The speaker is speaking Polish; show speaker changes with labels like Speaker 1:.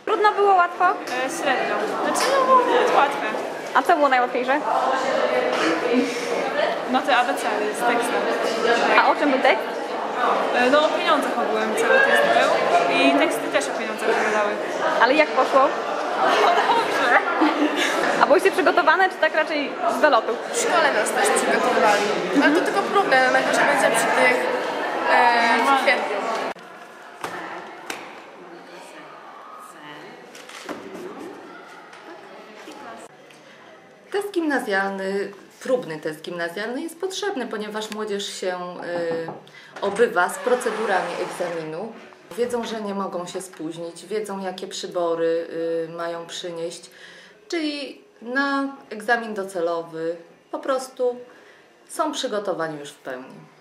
Speaker 1: Trudno było, łatwo?
Speaker 2: Średnio. Znaczy no było łatwe.
Speaker 1: A co było najłatwiejsze?
Speaker 2: No te abecady z tekstem.
Speaker 1: A o czym był tekst?
Speaker 2: No o pieniądzach ogółem cały test był i teksty też o pieniądzach wyglądały.
Speaker 1: Ale jak poszło?
Speaker 2: No dobrze.
Speaker 1: A byłyście przygotowane, czy tak raczej z wylotu?
Speaker 3: W szkole nas też przygotowali. Ale to tylko próbne, najgorzej będzie przy tych w kwietniu.
Speaker 4: Test gimnazjalny, próbny test gimnazjalny jest potrzebny, ponieważ młodzież się obywa z procedurami egzaminu. Wiedzą, że nie mogą się spóźnić, wiedzą, jakie przybory mają przynieść, czyli na egzamin docelowy po prostu są przygotowani już w pełni.